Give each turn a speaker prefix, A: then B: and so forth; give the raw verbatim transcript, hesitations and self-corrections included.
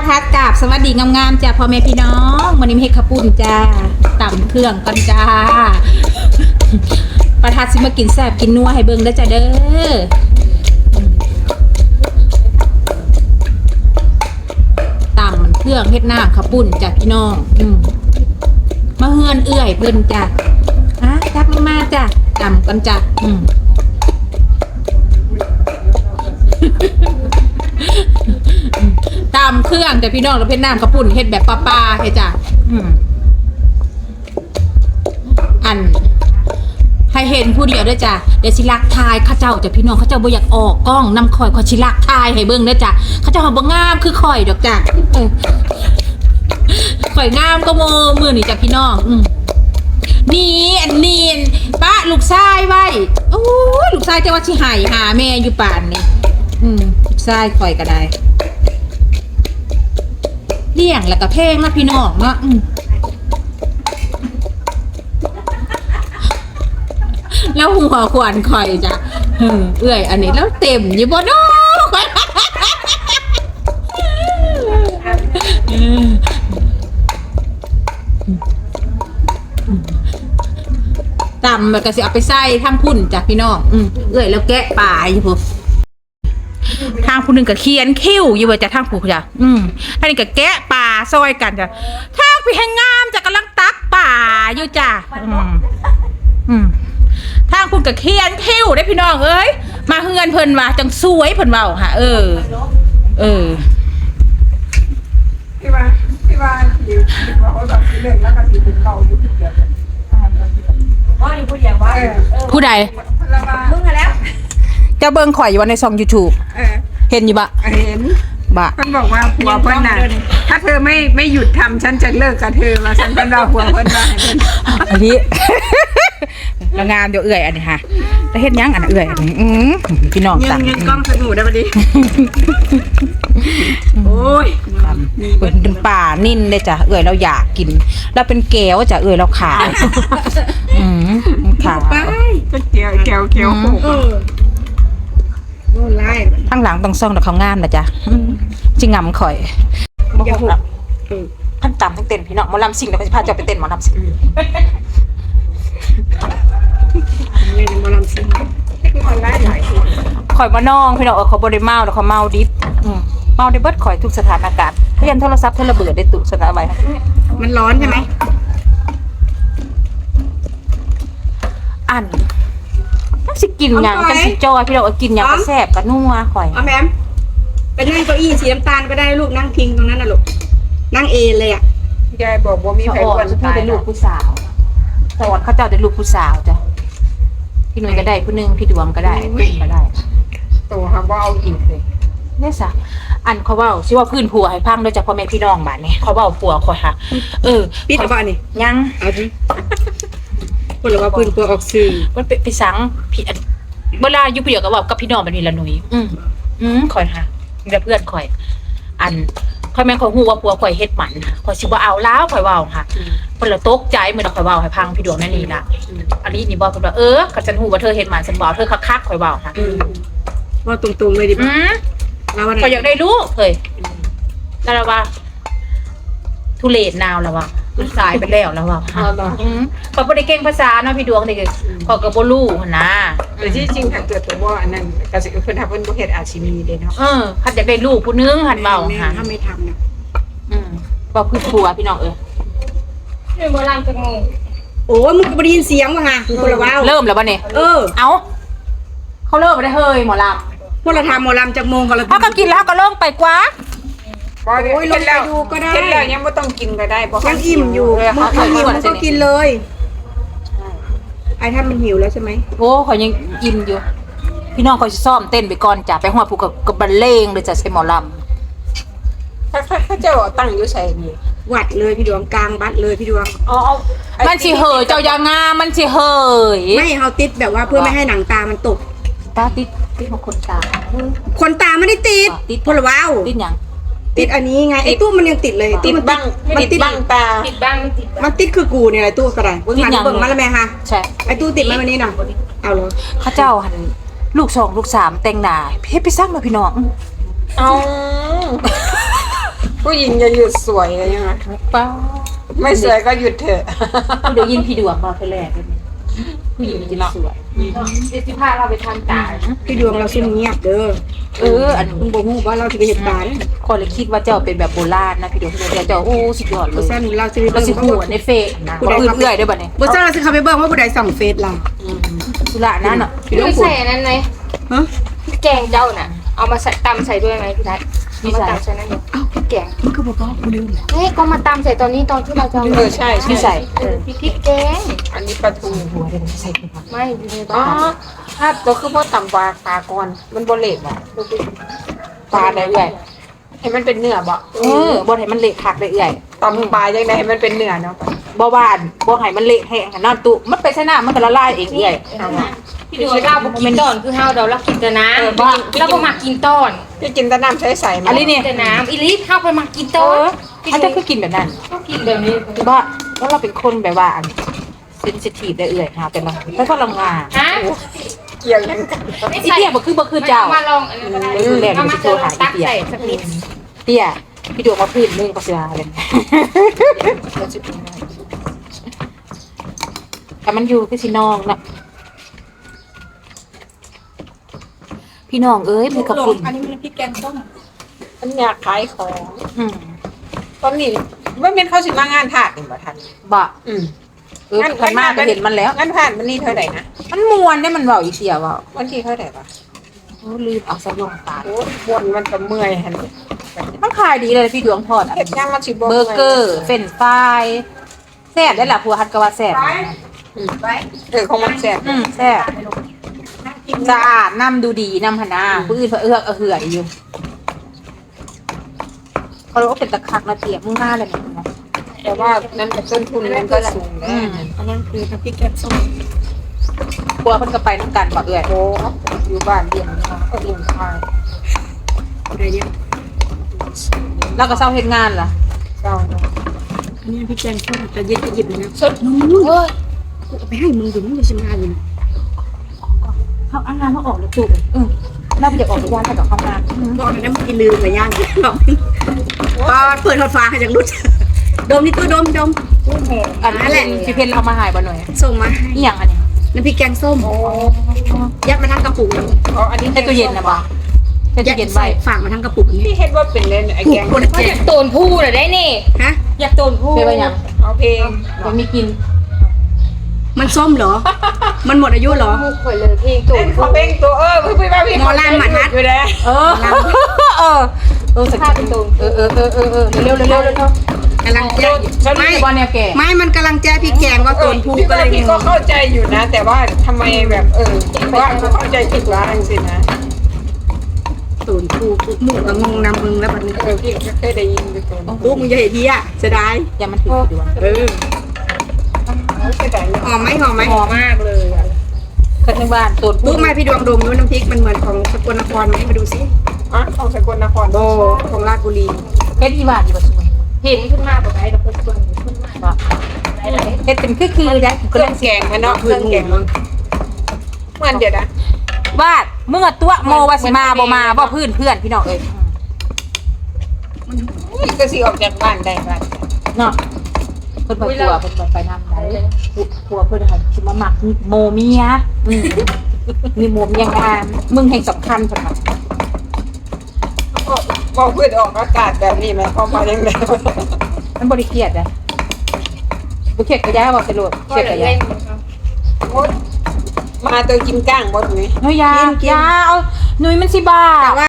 A: ทัดกราบสวัสดีงามๆจ้าพ่อแม่พี่น้องวันนี้มีเฮ็ดข้าวปุ้นจ้าต่ำเครื่องกันจ้าประทัดสิมากินแซ่บกินนัวให้เบิ่งได้จ้าเด้อต่ำมันเครื่องเฮ็ดน้ำข้าวปุ้นจ้าพี่น้องอืมมาเฮือนเอื้อยเพิ่นจ้าฮะจักมาจ้าต่ำกันจ้าอืมตามเครื่องแต่พี่น้องเราเพ็ดน้ำกระปุ่นเฮ็ดแบบปลาๆเฮ็ดจ้ะอืมอันให้เห็นผู้เดียวด้วยจ้ะเดี๋ยวสิลักทายข้าเจ้าจ้ะพี่น้องข้าเจ้าบ่อยากออกกล้องนำข่อยข่อยสิลักทายให้เบิ่งด้วยจ้ะข้าเจ้าบ่งามคือข่อยดอกจ้ะเออข่อยงามก็โมมือนี่จ้ะพี่น้องอืมนี่อันนี้ป้าลูกชายไว้โอ้ยลูกชายจะว่าสิหายหาแม่อยู่ป่านนี่อืมลูกชายข่อยก็ได้เลี้ยงแล้วก็เพลงนะพี่น้องเนาะแล้วหัวขวานข่อยจ้ะเอื้อยอันนี้แล้วเต็มอยู่บ่เนาะตำมันก็สิเอาไปใส่ทั้งพุ่นจ้ะพี่น้องเอื้อยแล้วแกะปลาอยู่พวกทางผู้หนึ่งก็เขียนคิ้วอยู่ว่าจะทางผู้จ้ะอืมท่างนี้ก็แกะป่าซอยกันจ้ะทางพี่แห่งงามจะกำลังตักป่าอยู่จ้ะอืมอืมทางคุณก็เขียนคิ้วได้พี่น้องเอ้ยมาเฮือนเพิ่นว่าจังสวยเพิ่นเว้าค่ะเออเออ
B: พี่ว่าพี่ว่าที่ว่าเขาแบบเล่นแล้วก็ที่เป็นเก่าอยู่ที่เดียวกันว่าอยู่ผู้เดียวว่า
A: ผู้ใด
B: มึงแล้ว
A: จะเบิ่งข่อยอยู่ในช่อง YouTube เห็นอยู่บะ
B: เห็น
A: บะ
B: เพิ่นบอกว่าผัวเพิ่นน่ะถ้าเธอไม่ไม่หยุดทำฉันจะเลิกกับเธอมาฉันเป็นเราผัวเพิ่นว่า
A: อันนี้ละงามเดี๋ยวเอื่อยอันนี้ค่ะแต่เฮ็ดยังอันเอื่อยอันนี้อือพี่น้อง
B: ตังยังกล้องสนุกได้บ่ดิโอ้ย
A: เป็นป่านิ่นเลยจ้ะเอื่อยเราอยากกินเราเป็นแก้วจ้ะเอื่อยเราขายอือขาย
B: ไปก็แก้วแก้วแก้วโคกโน่นไล่
A: ข้างหลังต้องซ่องแต่เขางามนะจ๊ะจิงงำข่อย
B: อย่าหุบ
A: ท่านตามทั้งเต้นพี่น้องหมอลำซิ่งเดี๋ยวเขาจะพาเจ้าไปเต้นหมอลำซิ่ง
B: นี่หมอลำซิ่งออนไลน์หลาย
A: ข่อยมาน้องพี่น้องเออเขาบริเมาแล้วเขาเมาดิบเมาได้เบิดข่อยทุกสถานการณ์เรียนโทรศัพท์เทเลเบิดได้ตุสนะไว้
B: มันร้อนใช่ไหม
A: อันสิกินอย่างกันสิจอยพี่เรากินอย่างกระแซบกระนัวข่อย
B: อ๋อแม่ไปนั่งเก้าอี้สีน้ำตาลก็ได้ลูกนั่งพิงตรงนั้นน่ะลูกนั่งเอเลยอ่ะยายบอกว่ามีใครอ้วน
A: ตายเป็นลูกผู้สาวสวัสดิ์เขาเจ้าเป็นลูกผู้สาวจ้ะพี่หนุ่ยก็ได้ผู้นึงพี่ดวงก็ได้ก็ได้
B: ตัวคำว่าเอาอีกเลย
A: เนี่ยสะอันเขาว่าชื่อว่าพื้นผัวให้พังโดยเฉพาะแม่พี่น้องบ้านนี้เขาว่าผัวข่อยค่ะเออ
B: ปิดเอาบ้านนี่
A: ยัง
B: เอาดิคนละว่าพื้นผัวออกสื่อ
A: มันไปสังพี่เวลาอยู่เดียวกับว่ากับพี่น้องแบบนี้ละหนุ่ยอืมอืมข่อยค่ะเดี๋ยวเพื่อนข่อยอันข่อยแม่ข่อยฮู้ว่าผัวข่อยเฮ็ดหมันค่ะข่อยสิบ่เอาแล้วข่อยเว้าค่ะเพิ่นละตกใจเหมือนข่อยเว้าให้พังพี่ดวงนั่นนี่ล่ะอันนี้นี่บอกเพิ่นว่าเออก็ฉันฮู้ว่าเธอเฮ็ดหมันฉันบ่เธอคักๆข่อยเว้าค่ะ
B: ว่าตรงๆเลยดิ
A: อืมแล้วว่าข่อยอยากได้ลูกเฮ้ยแล้วว่าทุเรศนาวแล้วว่ามันสายไปแล้วแล้วว่าอืมข่อยบ่ได้เก่งภาษาเนาะพี่ดวงนี่ข่อยก็บ่รู้หั่นนะ
B: แต่ที่จริงถ้าเกิดตัวว่าอันนั้นก็สิเพิ่นทำเพิ่นบ่เฮ็ดอาชีพนี้เด้เนาะ
A: เออคันอยากได้ลูกผู้นึงหั่นเว้าค่ะ
B: ถ้าไม่ทำน่ะ
A: อืมบ่พื้นผัวพี่น้องเอ้ย
B: เฮ้ยบ่ล่างจักโมงโอ้ยมึงก็บ่ได้ยินเสียงว่ะฮะคนละว้าว
A: เริ่มแล้วบ่เนี่ย
B: เออ
A: เอ้าเขาเริ่มบ่ได้เฮ้ยหมอลำ
B: พวกเราทำหมอลำจักโมงก็แล้ว
A: เฮาก็กินแล้วก็เริ่มไปกว่า
B: โอ้ยลงไปดูก็ได้เห็นแล้วยังไม่ต้องกินก็ได้เพราะยังอิ่มอยู่มันหิวมันก็กินเลยไอ้ท่านมันหิวแล้วใช่ไหม
A: โอ้เขายังอิ่มอยู่พี่น้องเขาจะซ้อมเต้นไปก่อนจ้ะไปหัวผูกกับกับบันเลงเลยจ้ะใส่หมอล
B: ำถ้าถ้าเจ้าตั้งอยู่ใส่นี่วัดเลยพี่ดวงกลางบัดเลยพี่ดวง
A: อ๋อมันสิเหยเจ้ายางามันสิเหย
B: ไม่เขาติดแบบว่าเพื่อไม่ให้หนังตามันตก
A: ตาติดติดของคนตา
B: คนตาไม่ได้ติดติดพลว้าว
A: ติดยัง
B: ติดอันนี้ไงไอ้ตู้มันยังติดเลย
A: ติดบ้าง
B: มันติดบ้างตา
A: ติดบ้าง
B: มันติดคือกูเนี่ยไอ้ตู้ก็ได้เบิ่งมาเบิ่งมาแล้วแม่ฮะ
A: ใช่
B: ไอ้ตู้ติดมาวันนี้น่ะเอาเลย
A: ข้าเจ้าหันลูกสองลูกสามแต่งหน้าเฮ็ดไปสร้างมาพี่น้อง
B: เอา
C: ผู้หญิงอย่าหยุดสวยเลยใช่ไหม
A: ป้า
C: ไม่สวยก็หยุดเถอะ
A: เดี๋ยวยินพี่ดวงมาไปแลกกันผู้หญิงจะสวยเดี๋ยวสิพาเราไปทำตา
B: พี่ดวงเราซุ่มเงียบเด้อ
A: เอออัน
B: มึงบอกฮู้ว่าเราจะไปเห็นตาเนี่ย
A: คนเลยคิดว่าเจ้าเป็นแบบโบราณนะพี่ดวงเดี๋ยวเจ้าโอ้สุดยอดเล
B: บ่
A: ย
B: ซั่นเราจะไป
A: เรา
B: เบิ่ง
A: สิ
B: เขา
A: หัวในเฟซนะคนอื่นเอื่อยได้บ่เนี่ย
B: บ่ซั่นเราสิเข้าไปเบิ่งว่าผู้ใดส่องเฟซเรา
A: สุระนั่นอ่ะ
B: พี่ด
D: พี่
B: วง
D: ใส่อันนั้นไหม
B: ฮะ
D: พี่แกงเจ้าน่ะ เอามาใส่ตำใส่ด้วยไหมพี่ทัศน์เอามาตำใส่นั่นเลยพี่แกง
B: มันคือบ่บอกกูลืม
D: เฮ้ยก็มาตำใส่ตอนนี้ตอนที่เราจะา
C: เออใช่
A: พี่
C: ใช่
A: ใส่
D: เออพี่แกง
C: อันนี้ปลาทู
A: หัวเดี๋ยวใส่ไปก่อน
D: ไม่อยู่ใน
C: อ๋อ
D: บ้าน
C: ถ้าตัวคือพ่อต่ำปลาปลาก่อนมันบเละบ่ปลาได้เอื่อยให้มันเป็นเนื้อบ่
A: เออบ่ให้มันเละคักได้เอื่อย
C: ตำปลายังไงให้มันเป็นเนื้อเนาะ
A: บ่หวานบ่ให้มันเละแห้งนอนตุมันไปใส่น้ำมันก็ละลายเองเอื่อย
D: พี่ดูเราบอกกินตอนคือเฮาเดี๋ยวเรากินแต่น้
C: เออ
D: ำเราก็มากินตอน
C: พี่กินแตะน้ำใสๆ
A: อันนี้เนี่ย
D: แต่น้ำอีลิฟเฮาไปมากิน
A: เอ
D: ตอน
A: ออันจะคือกินแบบนั้น
D: ก็กินแบบนี้
A: บ้าแล้วเราเป็นคนแบบว่าเซนซิทีฟได้เอื่อยค่ะแต่เราไม่ค่อยลงงาน
D: ฮะ
C: เกี่ยวยังกัน
A: ไอ้เตี้ยบ่คือบ่คือเจ้า
D: มาลองอันนั้นก็ได้
A: เออแหลม
D: เอามา
A: โทรหา
D: ตัก
A: อีเตี้ย
D: ใส่สักนิด
A: เตี้ยพี่ดวงมาพื้นนึงก็เสียเลยแต่มันอยู่คือสิน้องนะพี่น้องเอ้ยมีขอบคุณ
B: อันนี้มันพริกแกงส้ม
C: มันอยากขายของ
A: อืม
C: ตอนนี้ไม่เป็นเขาสิมางานถาดนี่บ่ทัน
A: บะ
C: อืม
A: เออขันมากก็เห็นมันแล้ว
C: งานถาดมันนี่เท่าไหร่นะ
A: มันมวนได้มันเบาอีเสียเบา
C: วันที่เท่าไหร่ปะ
A: โอ้ลืมเอาสะยงตา
C: โอ้บนมันจะเมื่อยหัน
A: มันขายดีเลยพี่ดวงทอดอะ
C: เห็ดย่างมันสิ
A: เบอร์เกอร์เฟรนช์ฟรายแซ่บได้ล่ะผัวฮัดกะว่าแซ่บ
C: เออของมันแซ่บ
A: อืมแซ่บสะอาดน้ำดูดีน้ำหนนาผู้อื่นเพื่อเอื้อกเอื้อยอยู่เขาเรียกว่าเป็นตะคักนะเตียมึงหน้าเลยเนี่ยนะ
C: แต่ว่านั้นกับต้นทุนมันก็สูงแล้
A: อื
C: ว
A: ม
B: อันนั้นคือน้ำพริกแกงส้ม
A: กลัวเพิ่นก็ไปน้ำกันบ่เอื้อย
C: โอ้อยู่บ้านเลี้ยงเนาะก็เลี้ยงควาย
B: อะไรเนี่ย
A: แล้วก็เศร้าเฮ็ดงานล่ะ
C: เจ้าเนาะ
B: อันนี้น้ำพริกแกงส้มแต่เย็นจะหยิบเลยนะ
C: สด
B: นู้น
D: เฮ้ย
B: กูเอาไปให้มึงอยู่มึงจะชิมงานอยู่นะ
A: เขาเอางานมาออกเลยจุอืมน่าไปอยากออกจากงานถ้ากับเข้างาน
B: บอกเลยนะมึงกินลืมไปย่างกินหรอกพอเปิดทอดฟ้าให้จากรุดดมนี่ตัวดมดม
A: อันนั้นแหละพี่เพนเอามาใหายบ่หน่อย
B: ส่งมาให้
A: อีหยังอันนี้
B: น้ำพริกแกงส้มยัดมาทั้งกระปุกเลย
C: อ๋ออันนี้
A: ในตู้เย็นนะบ่ในตู้เย็นไว้
B: ฝากมาทั้งกระปุกนี้
C: พี่เฮ็ดว่าเป็นเล่นไอ้แกง
B: คน
D: เขาอยากโตนผู้น่ะได้นี่
B: ฮะ
D: อยากโตนผู้
A: เป็นว่าหยัง
C: เอาเพลง
A: ยังมีกิน
B: มันส้มเหรอ มันหมดอายุเหรอ
D: ผู้ข่อยเลยเพลงโต
C: เล่
D: น
C: น
D: ผู้
C: เขาเพลงตัวเออเพิ่งไปว่าพี่
B: หมอลำหมัดฮัด
C: อยู่แล้ว
A: เออเออเออสัก
D: ถ้าเป็นโตน
A: เออเออเออเออเออเร็วเร็วเร็วเร็วเร็ว
B: กำลังแจ้ไม่
A: ไม่บอลแนวแก่
B: ไม่มันกำลังแจ้พริกแกงว่า
C: เอ
B: โก
C: อน
B: พู
C: พี่
B: ก็
C: ว่า
B: เลย
C: พี่
B: ง
C: ก็
B: ง
C: เข้าใจอยู่นะ แต่ว่าทำไมแบบเออเพราะว่าเขาเข้าใจผิดว่าจังสินะ
B: ตูนพูหมูกับงงนำมึงแล้วแบบนี้
C: เออพี่ก็เคยได้ยินอยู่ตัวนี้
B: ลูกมึงจะเห็นทีอ่ะจะได้
A: อย่ามันถือดวง
B: เออ
C: เคยได้ยิน
B: หอมไหมหอมไหม
D: หอมมากเลยอะ
A: คนในบ้านตัว
B: ลูกไหมพี่ดวงดมดูน้ำพริกมันเหมือนของสกลนครไหมมาดูสิ
C: อ่ะของสกลนคร
B: โบของราชบุรี
A: เฮ็ดอีหวานอีบ่สวย
D: เห็นขึ้นมาแบบไหนเราเป็นคนขึ้นมา
A: บ่เฮ็ดเป็นคือคือได้
C: เครื่องแกงมันเนาะเครื่องแกงมันเหมือนเดี๋ยวนะ
A: วาดเมื่อตัวโมว่าสิมาบ่มาบ่พื้นเพื่อนพี่น้องเอ้ย
C: อุ้ยก็สิออกจากบ้านได้บ้าน
A: เนาะเพิ่นบ่กลัวเพิ่นบ่ไปนำไหนกลัวเพิ่นให้สิมาหมักโมเมียอืมมีโมเมียงานมึงแห่งสำคัญเพิ่นว่า
C: ก็บอกเพื่อนออกอากาศแบบนี้ไหมพอมายังไง
A: มันบ่ได้เครียดเด้บ่เครียดก็ย้ายบ่สะดวกเครียดก็ย้าย
C: มาตัวกินก้างบดนี้
A: เฮ้ยยายาเอาหนุ่ยมันสิบ้า